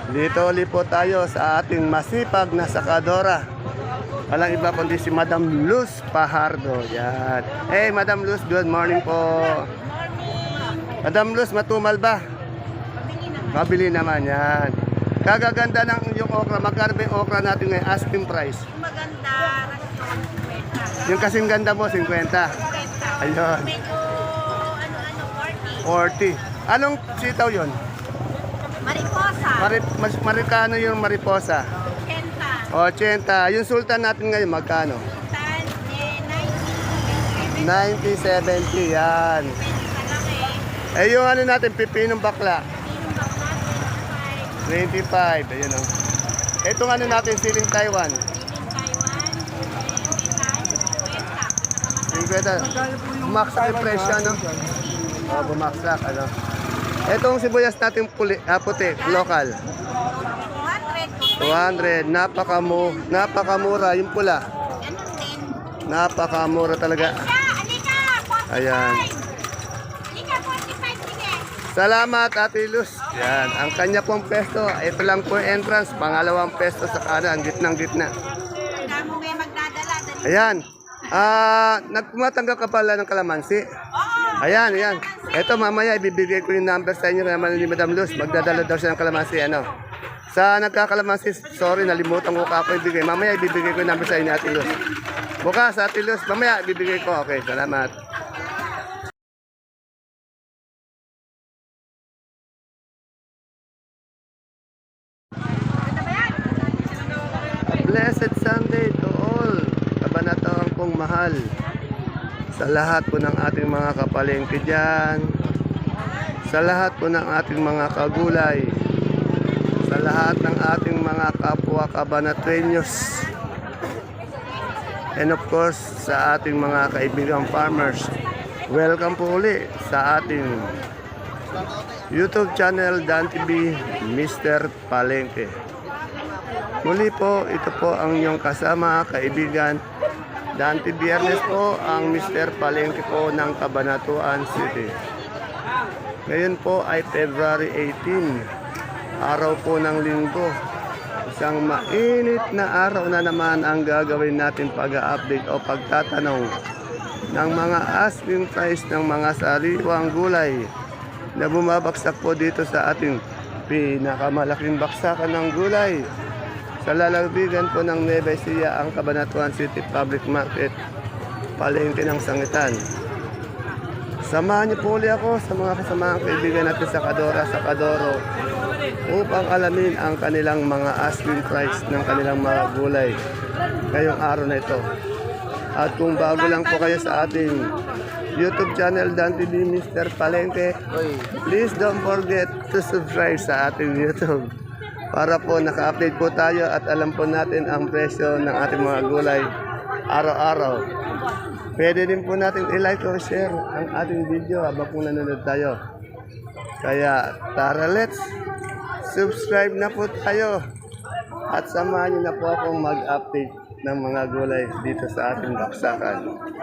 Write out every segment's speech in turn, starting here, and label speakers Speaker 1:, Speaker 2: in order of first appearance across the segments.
Speaker 1: Dito ulit po tayo sa ating masipag na sakadora. Walang iba kundi si Madam Luz Pajardo. Yan. Hey, Madam Luz, good morning po. Madam Luz, matumal ba? Mabili naman, yan. Kagaganda ng yung okra. Magkano ba yung okra natin ngayon? Asking price.
Speaker 2: Maganda, rasyon, 50.
Speaker 1: Yung kasing ganda mo, 50.
Speaker 2: 50.
Speaker 1: Ayun.
Speaker 2: Medyo,
Speaker 1: 40.
Speaker 2: 40.
Speaker 1: Anong sitaw yun?
Speaker 2: Mariposa,
Speaker 1: Marikano yung mariposa?
Speaker 2: 80.
Speaker 1: 80. Yung sultan natin ngayon, magkano?
Speaker 2: Tan, 90.
Speaker 1: 90, 70. Yan.
Speaker 2: Kalaki.
Speaker 1: Eh, yung ano natin, pipinong bakla.
Speaker 2: Sinong bakla,
Speaker 1: 25. Ayun o. Itong ano natin, siling Taiwan.
Speaker 2: 25. Siling Taiwan,
Speaker 1: 50. Bumaksak yung presyo, ano? Oh, bumaksak, ano? Itong sibuyas natin puti, local. 200.
Speaker 2: 200.
Speaker 1: Napakamura. Yung pula.
Speaker 2: Ganun din.
Speaker 1: Napakamura talaga.
Speaker 2: Alika, 45.
Speaker 1: Ayan.
Speaker 2: Alika, 45, sige.
Speaker 1: Salamat, Ate Luz. Yan, ang kanya pong pesto. Ito lang po yung entrance. Pangalawang pesto sa kanan, gitnang-gitna.
Speaker 2: Tanda mo may magdadala. Dali.
Speaker 1: Ayan. Nagpumatanggap ka pala ng kalamansi.
Speaker 2: Oo.
Speaker 1: Ayan, ayan. Ito mamaya ibibigay ko yung number sa inyo naman ni Madam Luz. Magdadala daw siya ng kalamansi. Ano? Sa nagkakalamansi, sorry, nalimutan ko ka po ibigay. Mamaya ibibigay ko yung number sa inyo, Ate Luz. Bukas, Ate Luz. Mamaya ibibigay ko. Okay, salamat. Blessed Sunday to all. Kabanatang kong mahal. Sa lahat po ng ating mga kapalengke dyan. Sa lahat po ng ating mga kagulay. Sa lahat ng ating mga kapwa kabanatrenyos. And of course, sa ating mga kaibigang farmers. Welcome po uli sa ating YouTube channel Dan TV Mr. Palengke. Muli po, ito po ang inyong kasama, kaibigan. Dante Biyernes po ang Mr. Palengke po ng Cabanatuan City. Ngayon po ay February 18, araw po ng linggo. Isang mainit na araw na naman ang gagawin natin pag-update o pagtatanong ng mga asking price ng mga sariwang gulay na bumabagsak po dito sa ating pinakamalaking baksakan ng gulay. Sa lalawigan po ng Nueva Ecija, ang Cabanatuan City Public Market, palengke ng sangitan. Samahan niyo po ulit ako sa mga kasamaang kaibigan natin sa Kadoro upang alamin ang kanilang mga asking price ng kanilang mga gulay ngayong araw na ito. At kung bago lang po kayo sa ating YouTube channel Dan TV Mr. Palengke, please don't forget to subscribe sa ating YouTube. Para po naka-update po tayo at alam po natin ang presyo ng ating mga gulay araw-araw. Pwede din po natin i-like o share ang ating video habang po nanonood tayo. Kaya tara, let's subscribe na po tayo at samahan niyo na po akong mag-update ng mga gulay dito sa ating baksakan.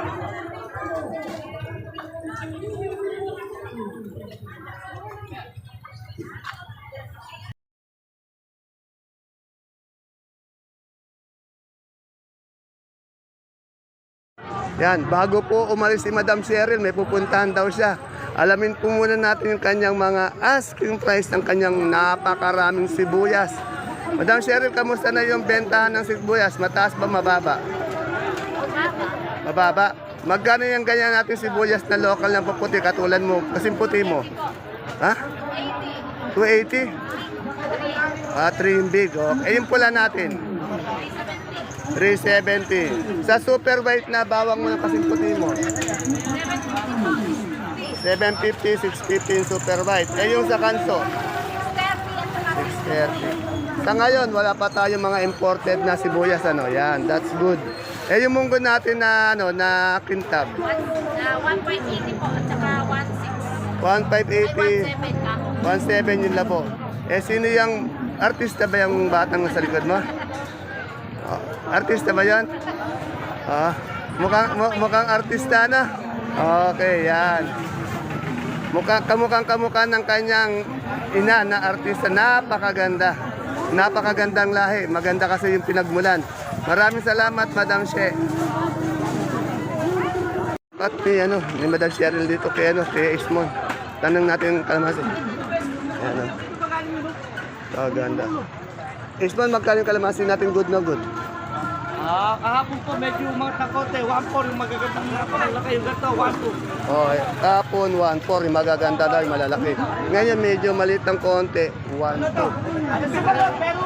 Speaker 1: Yan, bago po umalis si Madam Cheryl, may pupuntahan daw siya. Alamin po muna natin yung kanyang mga asking price ng kanyang napakaraming sibuyas. Madam Cheryl, kamusta na yung bentahan ng sibuyas? Mataas ba, mababa? Mababa. Magkano yung ganyan natin sibuyas na local ng paputi, katulad mo, kasing puti mo? Ha? 280? 3 yung big. Okay. Yung pula natin? 370. Sa super white na bawang mo ng kasing puti mo? 750, 650 yung super white. Eh yung sa kanso? 630. Sa ngayon, wala pa tayong mga imported na sibuyas, ano? Yan, that's good. Eh yung munggo natin na ano, na kintab?
Speaker 2: 1.80 po at saka
Speaker 1: 1580.
Speaker 2: 1.6. 1.7 ka.
Speaker 1: 17 yun labo. Eh sino yung artista ba yung batang sa likod mo? Oh, artista ba yan? Mukhang artista na. Okay, yan. Kamukhang-kamukha ng kanyang ina na artista. Napakaganda. Napakagandang lahi. Maganda kasi yung pinagmulan. Maraming salamat, Madam She. At may Madam Cheryl dito kay Ismon. Tanong natin kalamansi. Ayan. Ganda. Ismon, magkano yung kalamansi natin good na good?
Speaker 3: Kahapon po medyo umangat ng konti. 1.4 yung magagandang napakalaki. Yung ganito, 1.2.
Speaker 1: Okay, kapon 1.4, yung magaganda daw, yung malalaki. Ngayon medyo maliit ng konti, 1.2.
Speaker 3: Pero,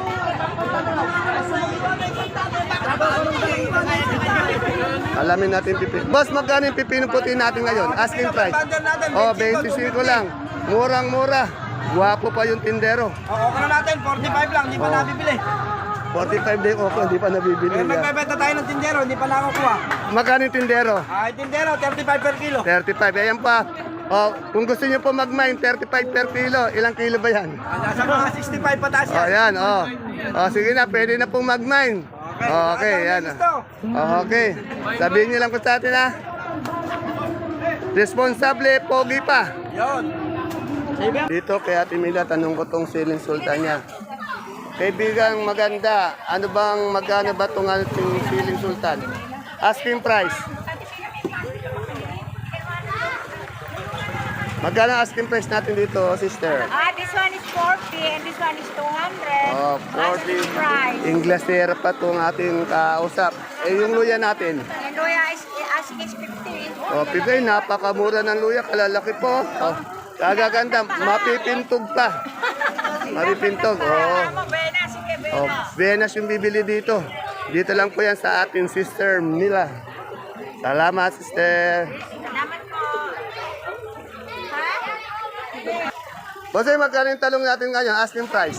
Speaker 1: Alamin natin pipino. Boss, magkano yung pipino puti natin ngayon? Asking price. Oh, 25 lang. Murang-mura. Guwapo pa yung tindero.
Speaker 3: okay na natin. 45 lang. Hindi pa nabibili.
Speaker 1: 45 din okay, hindi pa nabibili.
Speaker 3: Magbebenta tayo ng tindero. Hindi pa nakakuha.
Speaker 1: Magkano yung tindero?
Speaker 3: Tindero, 35 per kilo.
Speaker 1: 35. Ayan pa. Oh, kung gusto niyo po mag-mine, 35 per kilo. Ilang kilo ba yan?
Speaker 3: Nasa mga 65 pataas
Speaker 1: Oh,
Speaker 3: yan.
Speaker 1: yan. Oh. Oh, sige na, pwede na pong mag-mine. Oh, okay, yan. Oh, okay. Sabihin niyo lang po sa atin, ha? Responsable, pogi pa.
Speaker 3: Yun.
Speaker 1: Dito kay Ate Mila, tanong ko tong siling sultan niya. Kaibigang maganda, magkano ba itong ating siling sultan? Asking price. Magkano ang asking price natin dito, sister?
Speaker 2: This one is 40 and this one is 200.
Speaker 1: Oh, 40.
Speaker 2: Price.
Speaker 1: Inglesera pa itong ating kausap. Eh, yung luya natin.
Speaker 2: And Luya is asking is 50.
Speaker 1: Oh, pigay, napakamura ng luya. Kalalaki po. Oh, kagaganda. Mapipintog pa. Mapipintog. Oh.
Speaker 2: Buenas, sige,
Speaker 1: Oh, Venus yung bibili dito. Dito lang po yan sa ating sister Mila. Salamat, sister.
Speaker 2: Salamat po.
Speaker 1: Bossy, magkano yung talong natin ngayon? Asking price.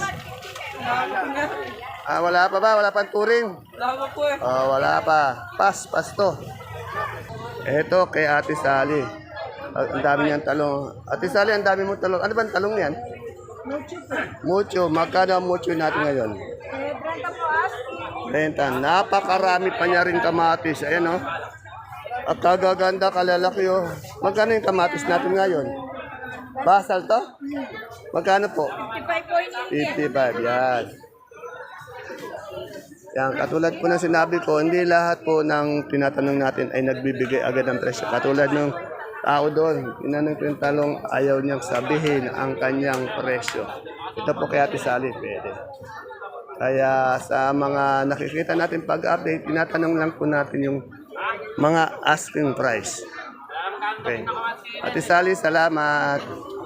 Speaker 1: Wala pa ba? Wala pang turing?
Speaker 3: Wala po eh.
Speaker 1: Oh, wala pa. Pas to. Eto kay Ate Sally. Ang dami niyang talong. Ate Sally, ang dami mong talong. Ano ba ang talong niyan? Mucho. Magkano ang mucho natin ngayon? Renta. Napakarami pa niya rin kamatis. Ayan, oh. At kagaganda, kalalaki, oh. Magkano yung kamatis natin ngayon? Basal to? Magkano po? 55, yan. Yan, katulad po ng sinabi ko, hindi lahat po ng tinatanong natin ay nagbibigay agad ng presyo. Katulad ng tao doon, tinanong ko yung talong, ayaw niyang sabihin ang kanyang presyo. Ito po kay Ate Sally, pwede. Kaya sa mga nakikita natin pag-update, tinatanong lang po natin yung mga asking price. Okay. Ate Sally, salamat.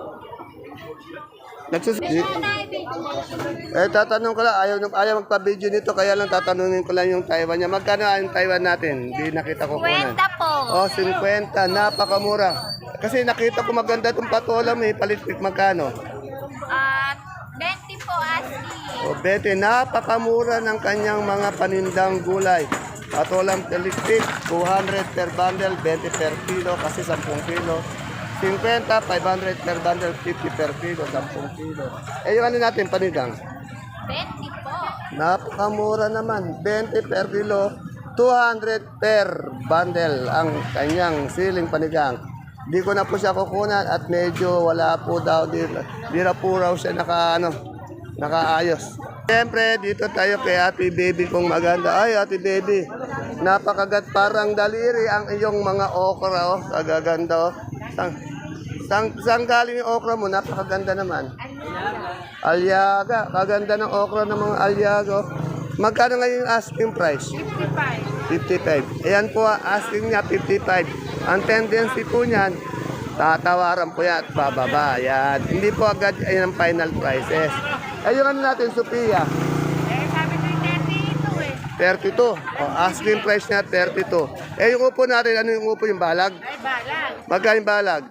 Speaker 1: Tatanong ko lang, ayaw magpa-video nito, kaya lang tatanungin ko lang yung Taiwan niya. Magkano ang Taiwan natin? Hindi nakita ko kunan.
Speaker 2: 50 po.
Speaker 1: Oh, 50. Napakamura. Kasi nakita ko maganda itong patola, may palitpik. Magkano?
Speaker 2: 20 po, asking.
Speaker 1: O, 20. Napakamura ng kanyang mga panindang gulay. Patolang palitpik, 200 per bundle, 20 per kilo, kasi 10 kilo. 50, 500 per bundle, 50 per kilo, 10 kilo. Eh, yung ano natin, panigang?
Speaker 2: 20 po.
Speaker 1: Napakamura naman. 20 per kilo, 200 per bundle ang kanyang siling panigang. Di ko na po siya kukunan at medyo wala po daw dito. Di na po raw siya nakaayos. Siyempre, dito tayo kay Ate Baby kong maganda. Ay, Ate Baby, napakagat parang daliri ang iyong mga okra. Oh. Kagaganda. Oh. Saan galing yung okra mo? Napakaganda naman. Alyaga. Kaganda ng okra ng mga alyaga. Magkano ngayon yung asking price? 55. Ayan po, asking niya 55. Ang tendency po niyan, tatawaran po yan at bababa. Yan. Hindi po agad yan ang final prices. Ayun ano natin, Sophia.
Speaker 2: Sabi ko 32
Speaker 1: 32. O, asking price niya 32. Eh, yung upo natin, ano yung upo? Yung balag?
Speaker 2: Ay, balag.
Speaker 1: Magkano yung balag?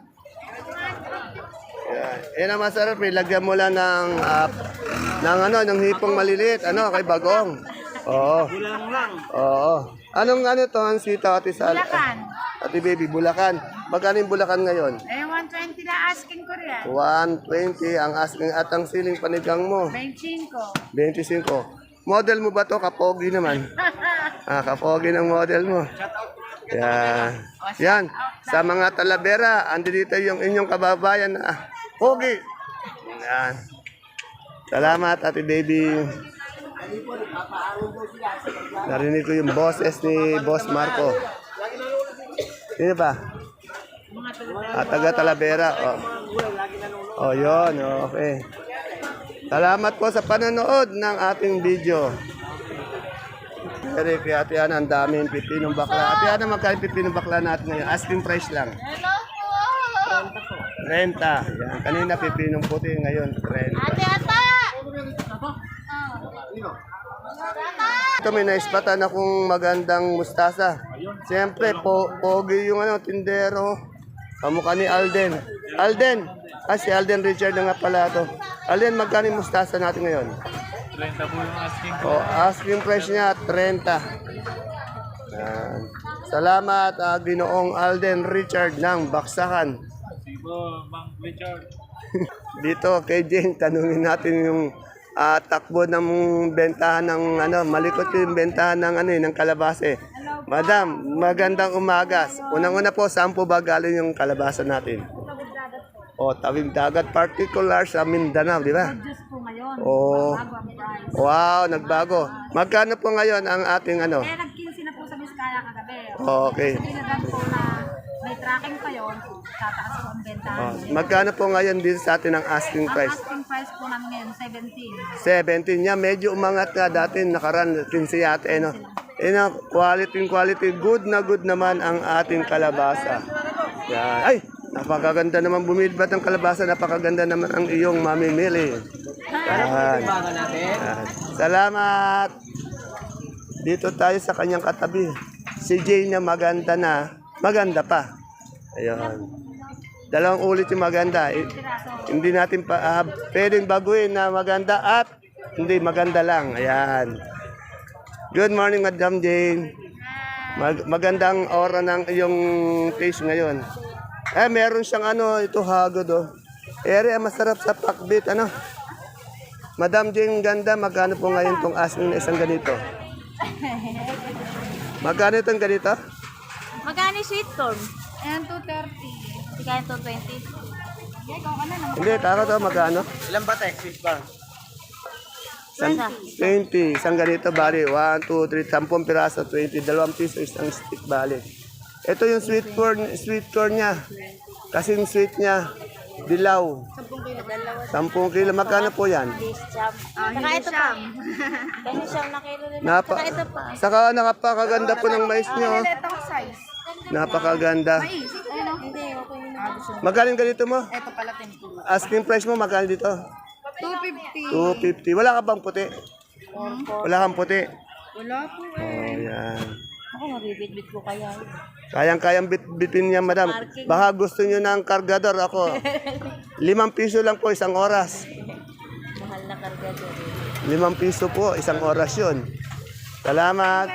Speaker 1: Yan. Yan ang masarap. Lagyan mo lang ng hipong maliliit. Ano, kay bagong. Oo. Oo. Anong to, ang sita, Ate Sal?
Speaker 2: Bulacan.
Speaker 1: Ate Baby, Bulacan. Magkano yung Bulacan ngayon?
Speaker 2: 120 na asking ko rin.
Speaker 1: 120 ang asking at ang siling panigang mo.
Speaker 2: 25.
Speaker 1: 25. Model mo ba to? Kapogi naman. Kapogi ng model mo. Yan. Yan. Sa mga Talavera, andi dito yung inyong kababayan na Pogi. Yan. Salamat, Ate Baby. Narinig ko yung boses ni Boss Marco. Sino pa? Taga Talavera. Yun. Okay. Salamat po sa panonood ng ating video. Eric, Ate Ana, ang daming pipinong bakla. Ate Ana, magkano pipinong bakla natin ngayon? Asking price lang.
Speaker 2: Hello po!
Speaker 1: 30. Yan. Kanina pipinong puti, ngayon 30.
Speaker 2: Ata!
Speaker 1: Ito may naispatan akong magandang mustasa. Siyempre, pogi yung tindero. Kamukha ni Alden. Alden! Si Alden Richard na nga pala ito. Alden, magkano yung mustasa natin ngayon?
Speaker 3: 30 po yung asking.
Speaker 1: Asking price niya, 30. Yan. Salamat, Ginoong Alden Richard ng Baksakan.
Speaker 3: Sibo, Mang Richard.
Speaker 1: Dito kay Jane, tanungin natin yung takbo ng bentahan ng malikot yung bentahan ng ng kalabasa. Madam, magandang umaga. Unang-una po, saan po ba galing yung kalabasa natin? Tawid dagat, particular sa Mindanao, di ba?
Speaker 2: Diyos po ngayon.
Speaker 1: Oh.
Speaker 2: Bago ang price.
Speaker 1: Wow, nagbago. Magkano po ngayon ang ating
Speaker 2: Nag-15 na po sa Biskaya kagabi.
Speaker 1: Okay.
Speaker 2: Sinagan po na may tracking pa yon, tataas po ang bentahan.
Speaker 1: Magkano po ngayon dito sa atin ang asking
Speaker 2: Ang
Speaker 1: price?
Speaker 2: asking price po namin ngayon, 17.
Speaker 1: 17 niya, medyo umangat nga dati, nakaran 15 yata, quality, good na good naman ang ating kalabasa. Yan. Ay, napakaganda naman bumilbat ang kalabasa, napakaganda naman ang iyong mamimili. Yan. Yan. Salamat! Dito tayo sa kanyang katabi. Si Jay na maganda pa. Ayun. Dalawang ulit yung maganda. Hindi natin pwedeng baguhin na maganda at hindi maganda lang. Ayan. Good morning, Madam Jane. Magandang aura ng iyong face ngayon. Meron siyang ito hagod masarap sa pakbit, Madam Jane, ganda, magkano po ngayon itong asking na isang ganito? Magkano itong ganito?
Speaker 2: Magkano sweet corn? Ayan, 230. Sige, 220.
Speaker 1: Hindi, tako to, magkano?
Speaker 3: Ilan ba tayo? Sweet ba?
Speaker 1: 20. Isang ganito, bali. 1, 2, 3, 10 piraso, 20. 2 piso, isang stick, bali. Ito yung sweet corn niya. Kasi yung sweet niya, dilaw. 10 kilo. Magkano po yan?
Speaker 2: Saka ito pa. Ganyan siyang na kilo din.
Speaker 1: Saka
Speaker 2: ito pa.
Speaker 1: Saka napakaganda po ng mais niyo.
Speaker 2: size.
Speaker 1: Napakaganda.
Speaker 2: Hindi, okay na.
Speaker 1: Magkano ganito mo?
Speaker 2: Ito pala 10.
Speaker 1: Asking price mo, magkano dito?
Speaker 2: 250.
Speaker 1: 250. Wala ka bang puti? Wala kang puti?
Speaker 2: Wala po
Speaker 1: Yan.
Speaker 2: Ako, mabibit-bit ko kaya.
Speaker 1: Kayang-kayang bitin niya, madam. Baka gusto niyo ng kargador ako. 5 piso lang po isang oras.
Speaker 2: Mahal na kargador.
Speaker 1: 5 piso po, isang oras yun. Salamat.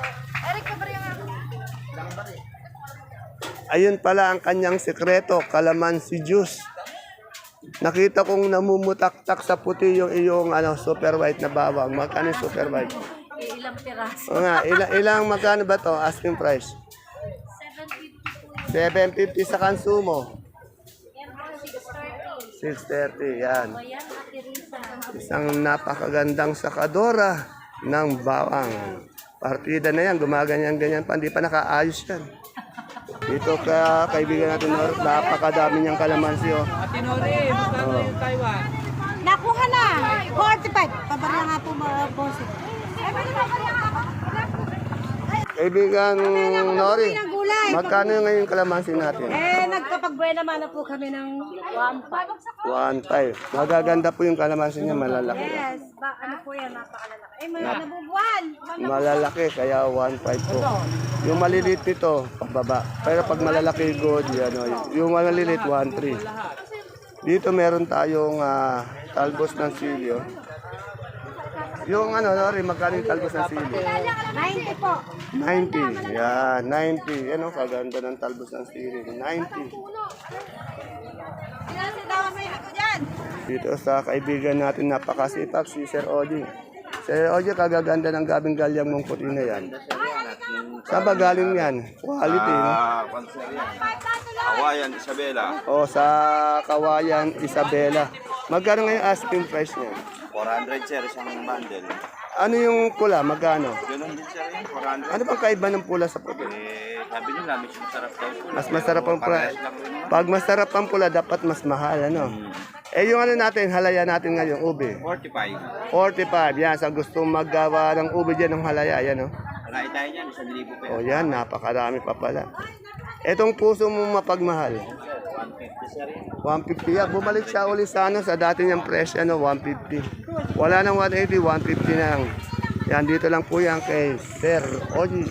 Speaker 1: Ayun pala ang kanyang sekreto, kalamansi juice. Nakita kong namumutaktak sa puti yung iyong super white na bawang. Magkano yung super white?
Speaker 2: Ilang piraso?
Speaker 1: O nga, ilang magkano ba to asking price? 750 sa kansumo. 630, yan. Isang napakagandang sakadora ng bawang. Partida na yan, gumaganyan-ganyan pa, hindi pa nakaayos yan. Dito ka, kaibigan natin, napakadami niyang kalamansi.
Speaker 3: Ate Nori, magkano yung Taiwan?
Speaker 2: Nakuha na! 45. Pabarya nga po boss.
Speaker 1: Kaibigan Nori, magkano ngayon kalamansi natin?
Speaker 2: Nagkapagbuena naman na po kami ng 1.5.
Speaker 1: 1.5. Magaganda po yung kalamansi niya, malalaki.
Speaker 2: Yes, ano po yan, napakalalaki. May nabubuhan.
Speaker 1: Malalaki, kaya 1.5 po. Yung maliliit nito, pababa. Pero pag malalaki, good. Yung maliliit, 1.3. Dito meron tayong talbos ng silyo. Yung Nori, magkano yung talbos ng silyo?
Speaker 2: 90 po.
Speaker 1: 90. Yan, 90. Yan kaganda ng talbos ng silyo. 90. Dito sa kaibigan natin napakasipag, si Sir Odi. Sir Ojo, kagaganda ng gabing galyang mong puti na yan. Saan ba galing yan? Quality, no?
Speaker 4: Panser yan. Kawayan, Isabela.
Speaker 1: O, sa Kawayan, Isabela. Magkano ngayon asking price niya?
Speaker 4: 400 sir, isang bundle.
Speaker 1: Ano yung pula? Magkano?
Speaker 4: Ganun din sir yun, 400.
Speaker 1: Ano bang kaiba ng pula sa puti?
Speaker 4: Sabi nila, mas masarap daw po.
Speaker 1: Mas masarap ang pula.
Speaker 4: Parehas lang rin yun.
Speaker 1: Pag masarap ang pula, dapat mas mahal, ano? Eh, yung ano natin, halaya natin ngayon, ube.
Speaker 4: 45.
Speaker 1: 45, yan. Sa gusto maggawa ng ube dyan ng halaya, yan, oh.
Speaker 4: Wala tayo niyan, 1,000 pa
Speaker 1: O yan, napakarami pa pala. Etong puso mo mapagmahal. 150 yan. Bumalik siya uli sa ano, sa dati niyang presyo, ano, 150. Wala nang 180, 150 na lang. Yan, dito lang po yan kay Sir Oji.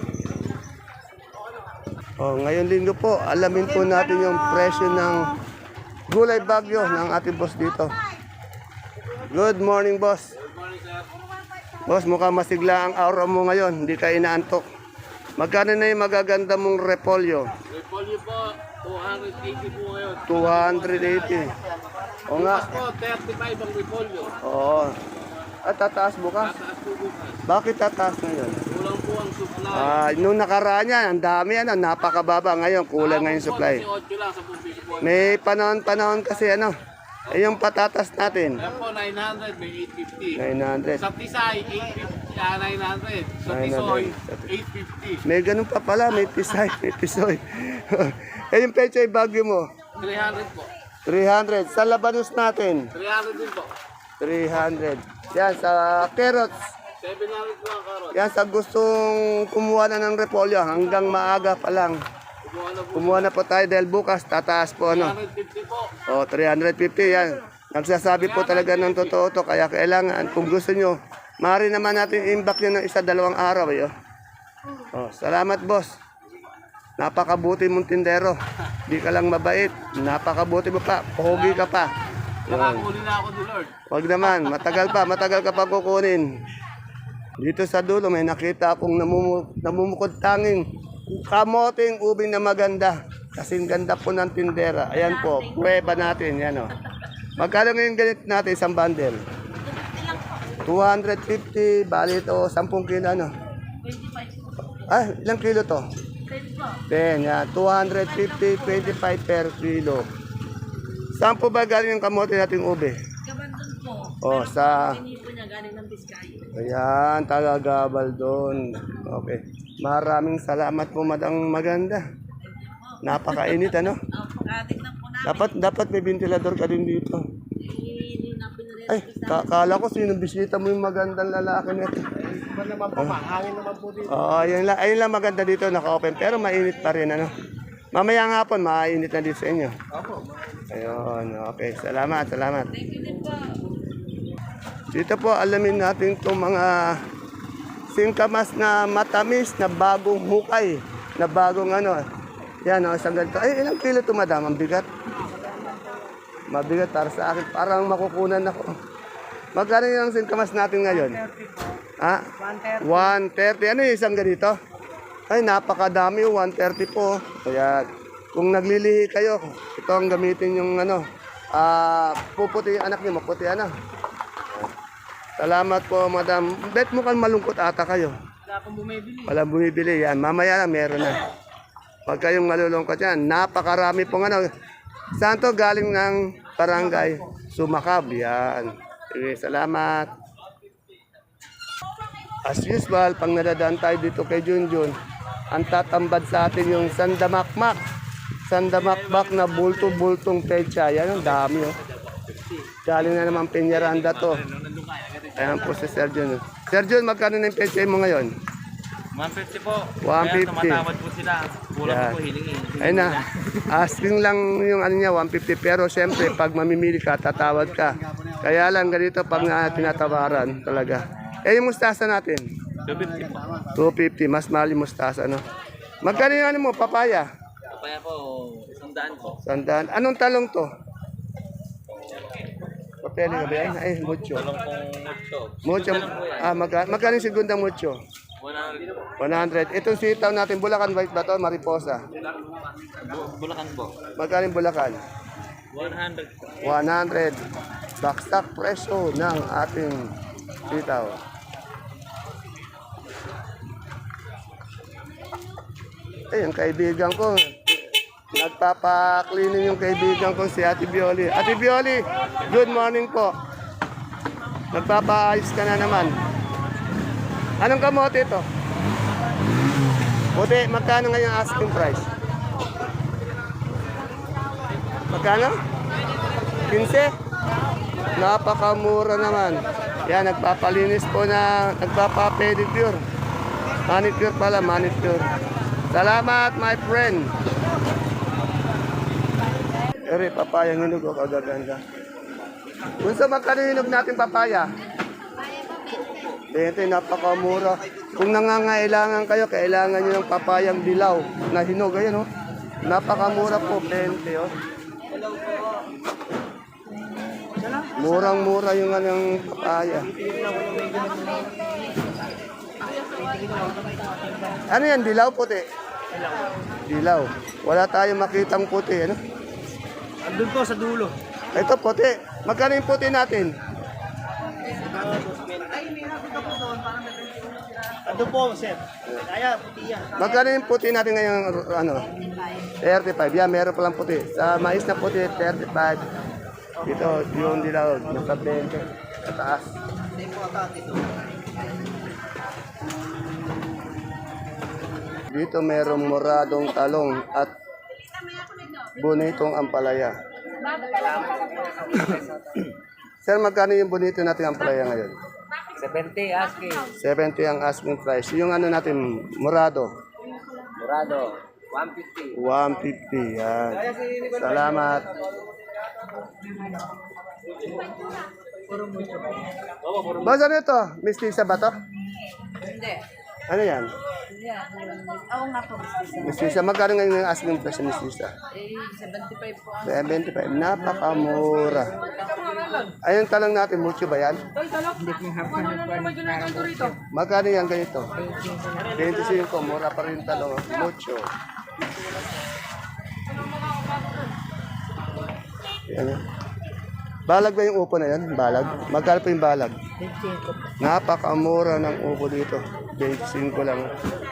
Speaker 1: O, ngayon linggo po, alamin po natin yung presyo ng gulay bagyo ng ating boss dito. Good morning, boss. Boss, mukhang masigla ang aura mo ngayon. Hindi ka inaantok. Magkano na yung magaganda mong repolyo?
Speaker 3: Repolyo po, 280 po ngayon.
Speaker 1: 280. O nga.
Speaker 3: Po, 35 ang repolyo.
Speaker 1: Oo. At tataas bukas.
Speaker 3: Taas po bukas.
Speaker 1: Bakit tataas ngayon?
Speaker 3: Kulang po ang supply.
Speaker 1: Nung nakaraan yan, ang dami ano, napakababa. Ngayon, kulang ngayon supply.
Speaker 3: 8 lang sa piso po.
Speaker 1: May panahon kasi ano. Eh yung patatas natin.
Speaker 3: Yan po, 900, may
Speaker 1: 900.
Speaker 3: 850. Sa Tisay, 850, 900. Sa
Speaker 1: 900.
Speaker 3: Tisoy, 850.
Speaker 1: May ganun pa pala, may pisay, may pisoy. Eh yung pechay bagyo mo,
Speaker 3: 300 po.
Speaker 1: 300. Sa labanos natin,
Speaker 3: 300 din po.
Speaker 1: 300. Yan, sa carrots.
Speaker 3: 700 po ang karot.
Speaker 1: Yan, sa gustong kumuha na ng repolyo, hanggang maaga pa lang.
Speaker 3: Kumuha na po.
Speaker 1: Kumuha na po tayo dahil bukas, tataas po ano.
Speaker 3: 350 po.
Speaker 1: O, 350 yan. Nagsasabi po talaga ng totoo to, kaya kailangan, kung gusto nyo, maaari naman natin imbak nyo ng 1-2 araw. Eh, oh. Salamat, boss. Napakabuti mong tindero. Di ka lang mabait. Napakabuti mo pa. Pogi ka pa.
Speaker 3: Nakakuli na ako ni Lord.
Speaker 1: Huwag naman, matagal ka pa kukunin. Dito sa dulo may nakita akong namumukod tanging kamoting ubing na maganda. Kasing ganda po ng tindera. Ayan po, prueba natin. Yan o. Magkano ngayon ganit natin isang bundle? 250, bali ito, 10 kilo ano?
Speaker 2: 25.
Speaker 1: Ah, ilang kilo to?
Speaker 2: 10 po.
Speaker 1: 10, yan. 250, 25 per kilo. Saan po ba galing yung kamote nating ube?
Speaker 2: Kabandon po.
Speaker 1: Oh, sa...
Speaker 2: Hindi po niya galing ng Biskaya.
Speaker 1: Ayan, tagagabal doon. Okay. Maraming salamat po, madang maganda. Napakainit, ano?
Speaker 2: Pagkatignan po namin.
Speaker 1: Dapat may ventilador ka din dito.
Speaker 2: Hindi na pinarehas
Speaker 1: Ay, kala ko sino bisita mo yung magandang lalaki nito.
Speaker 3: Iba naman po, mahangin naman po dito.
Speaker 1: Oo, ayun lang maganda dito, naka-open. Pero mainit pa rin, ano? Mamaya nga po, mainit na dito sa inyo. Ayun, okay. Salamat.
Speaker 2: Thank you din po.
Speaker 1: Dito po, alamin natin itong mga singkamas na matamis, na bagong hukay, na bagong ano. Yan, isang ganito. Ay, ilang kilo ito, madam? Ang bigat. Mabigat para sa akin. Parang makukunan ako. Magkano yung singkamas natin ngayon? 130 po. Ha? 130. 130. Ano yung isang ganito? Ay, napakadami. 130 po. Kaya, kung naglilihi kayo, ito ang gamitin yung ano. Puputi yung anak niyo, maputi ano. Salamat po, madam. Bet mo kan malungkot ata kayo.
Speaker 3: Wala akong bumibili.
Speaker 1: Walang bumibili. Yan, mamaya na meron na. Pag kayong malulungkot yan, napakarami pong ano. Saan to galing ng barangay? Sumakab. Yan. Sige, salamat. As usual, pang nadadaan tayo dito kay Junjun, ang tatambad sa atin yung sandamakmak. Sandamakmak na bulto-bultong pecha. Yan, ang dami. Oh. Galing na naman Peñaranda to. Ayan po si Sir Jun. Sir Jun, magkano na yung pecha mo ngayon?
Speaker 3: 150 po.
Speaker 1: 150.
Speaker 3: Kaya tumatawad po sila. Kulang
Speaker 1: Yan.
Speaker 3: po hilingi.
Speaker 1: Ayun na. Asking lang yung ano niya, 150. Pero siyempre, pag mamimili ka, tatawad ka. Kaya lang ganito pag tinatawaran talaga. Eh, yung mustasa natin?
Speaker 3: 250 po.
Speaker 1: 250. Mas mahal yung mustasa, no? Magkano yung ano mo, papaya?
Speaker 3: Kaya po, 100 po.
Speaker 1: 100. Anong talong to? Papel ka ba yan? Ay, mucho.
Speaker 3: Talong pong
Speaker 1: Mucho.
Speaker 3: mucho.
Speaker 1: Magkano yung segundang mucho?
Speaker 3: 100.
Speaker 1: 100. Itong sitaw natin, Bulacan White ba to? Mariposa.
Speaker 3: Bulacan po.
Speaker 1: Magkano yung Bulacan?
Speaker 3: 100 po.
Speaker 1: 100. Baksak presyo ng ating Sitaw. Yung kaibigan ko. Nagpapa-cleaning yung kaibigan ko si Ate Bioli. Ate Bioli, good morning po. Nagpapaayos ka na naman. Anong kamote ito? Puti, magkano ngayon ang asking price? Magkano? 15? Napakamura naman. Yan, nagpapalinis po na, nagpapa-pedicure. Manicure pala, manicure. Salamat, my friend. Ere, papaya hinog o kagaganda. Kung sa magkano hinog natin papaya? 20, napakamura. Kung nangangailangan kayo, kailangan nyo ng papayang dilaw na hinog. Ayan, oh. Napakamura po, 20. Oh. Murang-mura yung anong papaya. Ano yan, dilaw puti? Dilaw. Wala tayong makitang puti, ano?
Speaker 3: Andun po sa dulo.
Speaker 1: Ito puti. Magkano yung puti natin?
Speaker 3: Andun po, sir. Kaya, puti yan.
Speaker 1: Magkano yung puti natin ngayon, ano? 35. Yan, meron palang puti. Sa mais na puti, 35. Dito, yung dilaw, nasa 20. Sa taas. Dito merong moradong talong at bonitong ampalaya. Sir, magkano yung bonito natin ampalaya ngayon?
Speaker 3: 70, asking.
Speaker 1: 70 ang asking price. Yung ano natin, morado?
Speaker 3: Dorado, 150.
Speaker 1: 150, yan. Salamat. Basta nito, mistisa ba to?
Speaker 2: Hindi.
Speaker 1: Ano yan?
Speaker 2: Oo nga po.
Speaker 1: Mistisa, magkano ngayon yung asking price ng mistisa?
Speaker 2: 75 po.
Speaker 1: 75, napakamura. Ayun talang natin, mucho ba yan? Magkano yan ganito? 25, mura pa rin talong. Mucho. Yan. Balag ba yung upo na yan? Balag? Magkano pa yung balag? 25. Napakamura ng upo dito. 25 lang.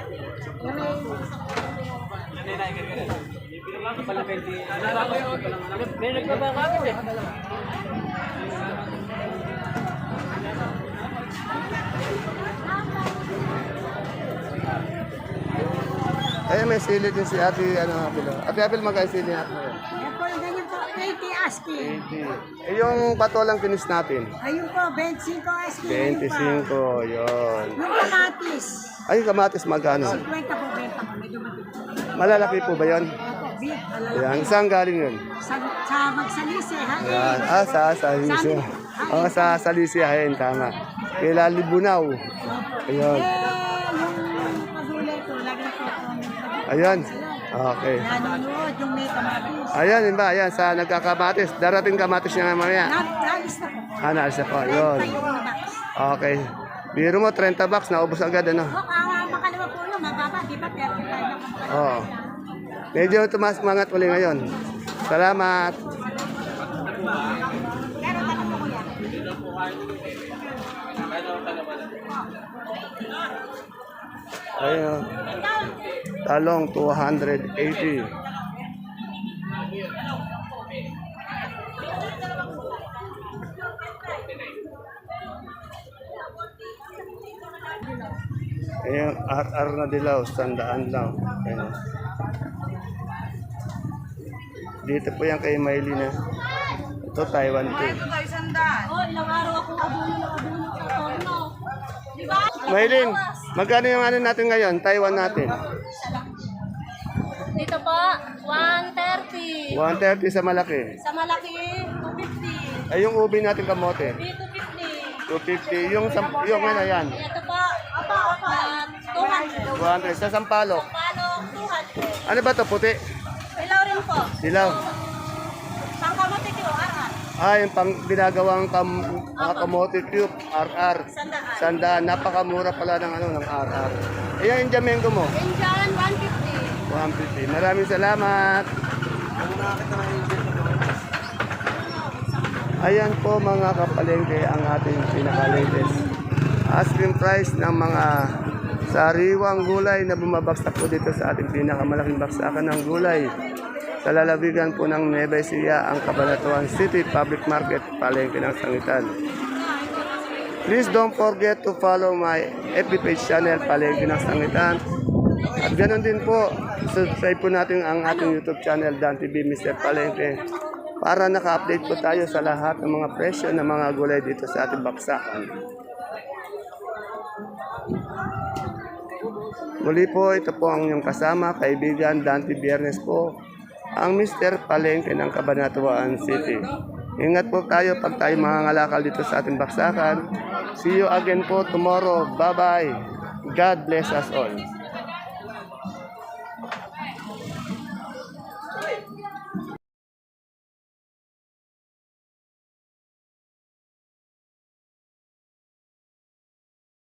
Speaker 1: Ay, may sili din si Ate, Apil. Ate Apil, magkano sili natin ngayon?
Speaker 5: Yan po, ganyan po, 80 asking.
Speaker 1: 80. Eh, yung patolang kinis natin?
Speaker 5: Ayun po, 25 asking.
Speaker 1: 25, yun.
Speaker 5: Yung kamatis,
Speaker 1: Ay, kamatis magkano?
Speaker 5: 50 po, benta po. Medyo matigas.
Speaker 1: Malalaki po ba yun?
Speaker 5: Opo, beef, malalaki.
Speaker 1: Yan, saan galing yun?
Speaker 5: Sa magsalisi, ha?
Speaker 1: Yan. Sa Salisia. Oo, sa Salisia, ayun, tama. Kila Libunaw. Ayun.
Speaker 5: Yung pagulay ko, lagi po po.
Speaker 1: Ayan. Okay.
Speaker 5: Nanonood yung may kamatis.
Speaker 1: Ayan, yun ba? Ayan, sa nagkakamatis. Darating kamatis niya mamaya.
Speaker 5: Nalis na po.
Speaker 1: Naalis na po. Yun. Okay. Biro mo, 30 bucks. Naubos agad, ano?
Speaker 5: Makalawa po yun, mababa. Di ba 35 na po?
Speaker 1: Oo. Medyo tumas mangat uli ngayon. Salamat.
Speaker 5: Pero tanong po kuya.
Speaker 1: Ayun. Talong 280. Ayun, RR na dilaw, 100 lang. Ayun. Dito po yan kay Maylina. Ito, Taiwan tea.
Speaker 2: Oh, ilang araw akong abuno sa torno. Di ba?
Speaker 1: Maylin, magkano yung ano natin ngayon? Taiwan natin.
Speaker 2: Dito po, 130.
Speaker 1: 130 sa malaki.
Speaker 2: Sa malaki, 250.
Speaker 1: Ay, yung ubi natin kamote.
Speaker 2: Dito
Speaker 1: 250.
Speaker 2: 250.
Speaker 1: Yung ano yan.
Speaker 2: Ito po, 200.
Speaker 1: 200. Sa sampalok.
Speaker 2: Palo, 200.
Speaker 1: Ano ba to puti?
Speaker 2: Ilaw rin po.
Speaker 1: Dilaw.
Speaker 2: Pangkamote ko, arat.
Speaker 1: Ah, yung pang ginagawang mga kamote cube, RR.
Speaker 2: Sandaan.
Speaker 1: 100. Napakamura pala ng ano ng RR. Ayan yung jamengo mo.
Speaker 2: Indian, 150.
Speaker 1: 150. Maraming salamat. Ayan po mga kapalengke ang ating pinaka-latest asking price ng mga sariwang gulay na bumabagsak po dito sa ating pinakamalaking baksakan ng gulay. Sa lalawigan po ng Nueva Ecija, ang Cabanatuan City Public Market, palengke ng Sangitan. Please don't forget to follow my FB page channel, Palengke ng Sangitan. At ganoon din po, subscribe po natin ang ating YouTube channel, Dan TV Mr. Palengke, para naka-update po tayo sa lahat ng mga presyo ng mga gulay dito sa ating baksakan. Muli po, ito po ang inyong kasama, kaibigan, Dante Biernes po, ang Mr. Palengke ng Cabanatuan City. Ingat po tayo pag tayo mangangalakal dito sa ating baksakan. See you again po tomorrow. Bye-bye. God bless us all.